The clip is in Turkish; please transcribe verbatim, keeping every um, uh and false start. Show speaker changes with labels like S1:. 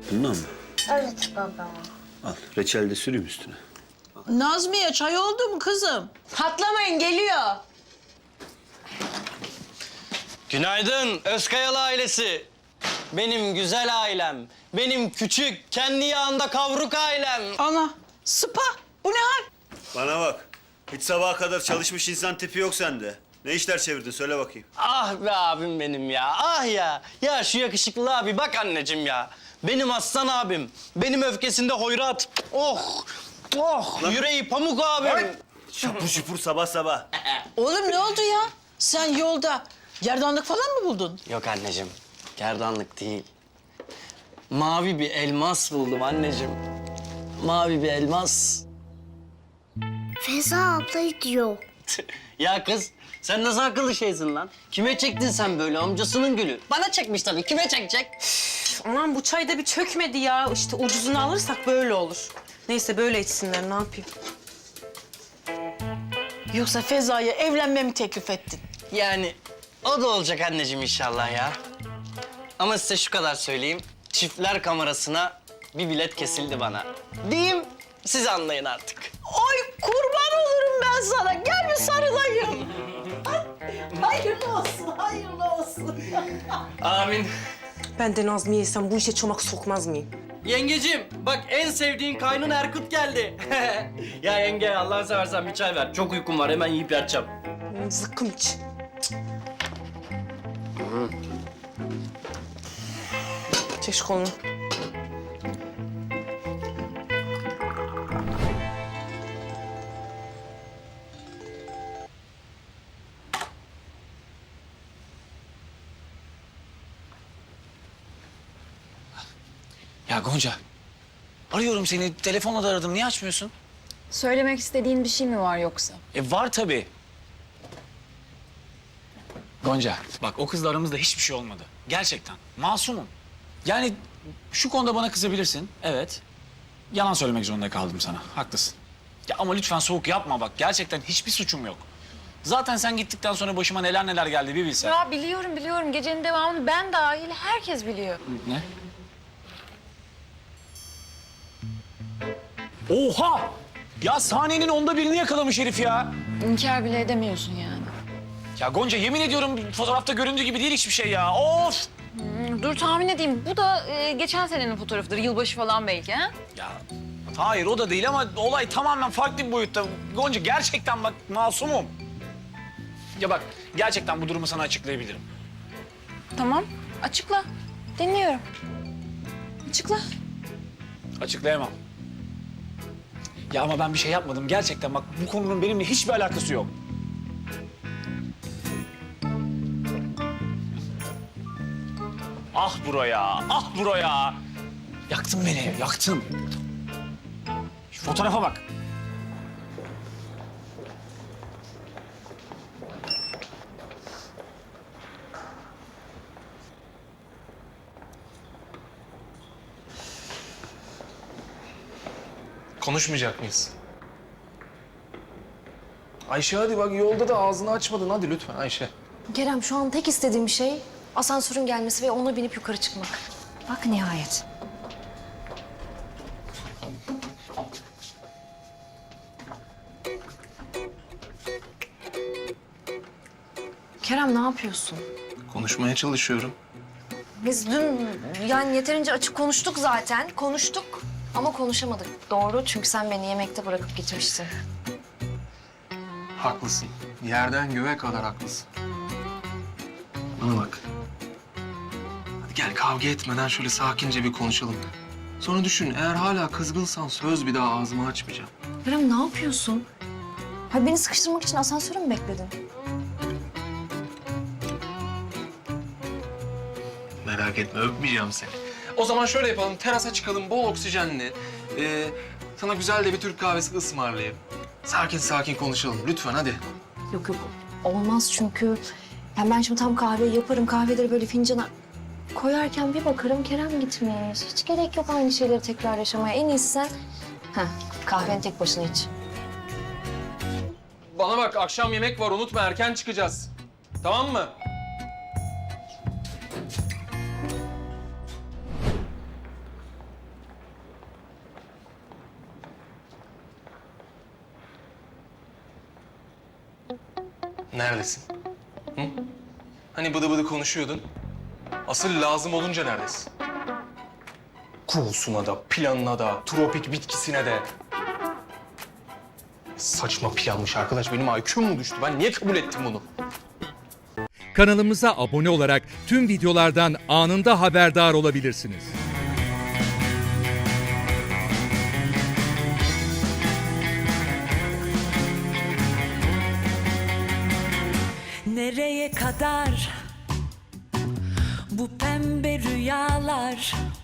S1: Bundan mı?
S2: Evet baba.
S1: Al, reçel de süreyim üstüne.
S3: Nazmiye çay oldu mu kızım?
S4: Patlamayın, geliyor.
S5: Günaydın Özkayalı ailesi. Benim güzel ailem. Benim küçük, kendi yağında kavruk ailem.
S3: Ana, sıpa. Bu ne hal?
S1: Bana bak. Hiç sabaha kadar çalışmış insan tipi yok sende. Ne işler çevirdin söyle bakayım.
S5: Ah be abim benim ya, ah ya. Ya şu yakışıklı abi bak anneciğim ya. Benim aslan abim, benim öfkesinde hoyrat. Oh, oh,
S1: Lan.
S5: yüreği pamuk abim.
S1: Şapur şupur sabah sabah.
S3: Oğlum ne oldu ya? Sen yolda gerdanlık falan mı buldun?
S5: Yok anneciğim, gerdanlık değil. Mavi bir elmas buldum anneciğim. Mavi bir elmas.
S2: Feza abla diyor.
S5: Ya kız, sen nasıl akıllı şeysin lan? Kime çektin sen böyle amcasının gülü? Bana çekmiş tabii, kime çekecek?
S4: Aman bu çay da bir çökmedi ya. İşte ucuzunu alırsak böyle olur. Neyse böyle içsinler, ne yapayım?
S3: Yoksa Feza'ya evlenmemi teklif ettin?
S5: Yani o da olacak anneciğim inşallah ya. Ama size şu kadar söyleyeyim. Çiftler kamerasına bir bilet kesildi bana. Diyeyim, siz anlayın artık.
S3: Ay kurban olurum ben sana. Gel bir sarılayım. Ay, hayırlı olsun, hayırlı olsun.
S5: Amin.
S4: Ben de Nazmiye'ysem bu işe çomak sokmaz mıyım?
S5: Yengecim, bak en sevdiğin kaynın Erkut geldi. Ya yenge, Allah'ını seversen bir çay ver. Çok uykum var, hemen yiyip yatacağım.
S4: Zıkkım iç. Çek şu kolunu.
S6: Ya Gonca, arıyorum seni. Telefonla da aradım. Niye açmıyorsun?
S7: Söylemek istediğin bir şey mi var yoksa?
S6: E var tabii. Gonca, bak o kızla aramızda hiçbir şey olmadı. Gerçekten. Masumum. Yani şu konuda bana kızabilirsin. Evet. Yalan söylemek zorunda kaldım sana. Haklısın. Ya ama lütfen soğuk yapma bak. Gerçekten hiçbir suçum yok. Zaten sen gittikten sonra başıma neler neler geldi bir bilsen.
S7: Ya biliyorum biliyorum. Gecenin devamını ben dahil herkes biliyor.
S6: Ne? Oha! Ya sahnenin onda birini yakalamış herif ya.
S7: İnkar bile edemiyorsun yani.
S6: Ya Gonca yemin ediyorum fotoğrafta göründüğü gibi değil hiçbir şey ya. Of!
S7: Hmm, dur tahmin edeyim. Bu da e, geçen senenin fotoğrafıdır. Yılbaşı falan belki ha?
S6: Ya hayır o da değil ama olay tamamen farklı bir boyutta. Gonca gerçekten bak masumum. Ya bak gerçekten bu durumu sana açıklayabilirim.
S7: Tamam. Açıkla. Dinliyorum. Açıkla.
S6: Açıklayamam. Ya ama ben bir şey yapmadım gerçekten bak bu konunun benimle hiçbir alakası yok. Ah buraya, ah buraya. Yaktın beni, yaktın. Şu fotoğrafa bak.
S8: Konuşmayacak mıyız? Ayşe hadi bak yolda da ağzını açmadın. Hadi lütfen Ayşe.
S9: Kerem şu an tek istediğim şey asansörün gelmesi ve ona binip yukarı çıkmak. Bak nihayet. Kerem ne yapıyorsun?
S8: Konuşmaya çalışıyorum.
S9: Biz dün yani yeterince açık konuştuk zaten. Konuştuk ama konuşamadık. Doğru çünkü sen beni yemekte bırakıp gitmiştin.
S8: Haklısın. Yerden göğe kadar haklısın. Bana bak. Hadi gel kavga etmeden şöyle sakince bir konuşalım. Sonra düşün eğer hala kızgınsan söz bir daha ağzımı açmayacağım.
S9: Kerem ne yapıyorsun? Ha beni sıkıştırmak için asansöre mi bekledin?
S8: Merak etme öpmeyeceğim seni. O zaman şöyle yapalım terasa çıkalım bol oksijenli. Ee, sana güzel de bir Türk kahvesi ısmarlayayım. Sakin sakin konuşalım lütfen hadi.
S9: Yok yok olmaz çünkü yani ben şimdi tam kahveyi yaparım. Kahveleri böyle fincana koyarken bir bakarım Kerem gitmiş. Hiç gerek yok aynı şeyleri tekrar yaşamaya. En iyisi sen heh, kahveni tek başına iç.
S8: Bana bak akşam yemek var unutma erken çıkacağız. Tamam mı? Neredesin? Hı? Hani bıdı bıdı konuşuyordun. Asıl lazım olunca neredesin? Kuğusuna da, planına da, tropik bitkisine de. Saçma planmış arkadaş. Benim I Q'm mu düştü? Ben niye kabul ettim bunu?
S10: Kanalımıza abone olarak tüm videolardan anında haberdar olabilirsiniz.
S11: Nereye kadar bu pembe rüyalar?